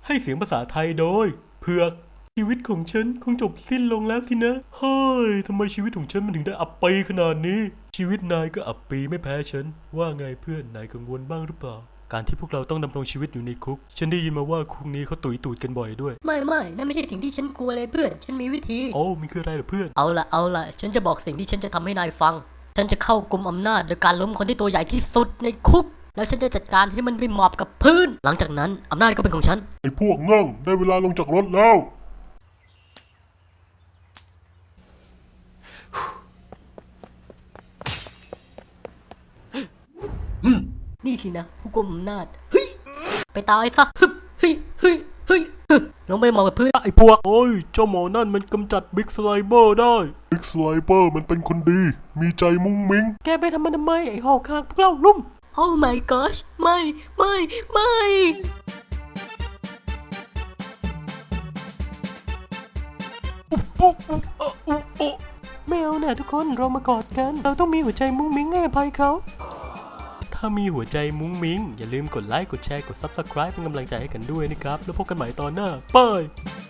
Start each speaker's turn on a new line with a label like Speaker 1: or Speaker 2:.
Speaker 1: ให้เสียงภาษาไทยโดยเผือกชีวิตของฉันคงจบสิ้นลงแล้วสินะเฮ้ยทำไมชีวิตของฉันมันถึงได้อับปีขนาดนี้ชีวิตนายก็อับปีไม่แพ้ฉันว่าไงเพื่อนนายกังวลบ้างหรือเปล่าการที่พวกเราต้องดำรงชีวิตอยู่ในคุกฉันได้ยินมาว่าคุกนี้เขาตุยตูดกันบ่อยด้วย
Speaker 2: ไม่นั่นไม่ใช่สิ่งที่ฉันกลัวเลยเพื่อนฉันมีวิธี
Speaker 1: โอ้มันคืออะไรเหรอเพื่อน
Speaker 2: เอาละฉันจะบอกสิ่งที่ฉันจะทำให้นายฟังฉันจะเข้ากุมอำนาจโดยการล้มคนที่ตัวใหญ่ที่สุดในคุกแล้วฉันจะจัดการให้มันไปหมอบกับพื้นหลังจากนั้นอำนาจก็เป็นของฉัน
Speaker 3: ไอ้พวกง่องได้เวลาลงจากรถแล้ว
Speaker 2: นี่สินะผู้กุมอำนาจเฮ้ยไปตายซะเฮ้ยลงไปหมอบกับพื้น
Speaker 1: ไอ้พวกโอ้ยเจ้าหมอนั่นมันกำจัดบิ๊กสไลเบอร์ได้
Speaker 3: บิ๊กสไลเปอร์มันเป็นคนดีมีใจมุ้งมิ้ง
Speaker 1: แกไปทำมันทำไมไอ้หอกคางพวกเราลุ่ม
Speaker 2: Oh my gosh ไม่
Speaker 1: ไม่เอาน่ะทุกคนเรามากอดกันเราต้องมีหัวใจมุ้งมิ้งให้อภัยเขาถ้ามีหัวใจมุ้งมิ้งอย่าลืมกดไลค์กดแชร์กด Subscribe เป็นกำลังใจให้กันด้วยนะครับแล้วพบกันใหม่ตอนหน้าบาย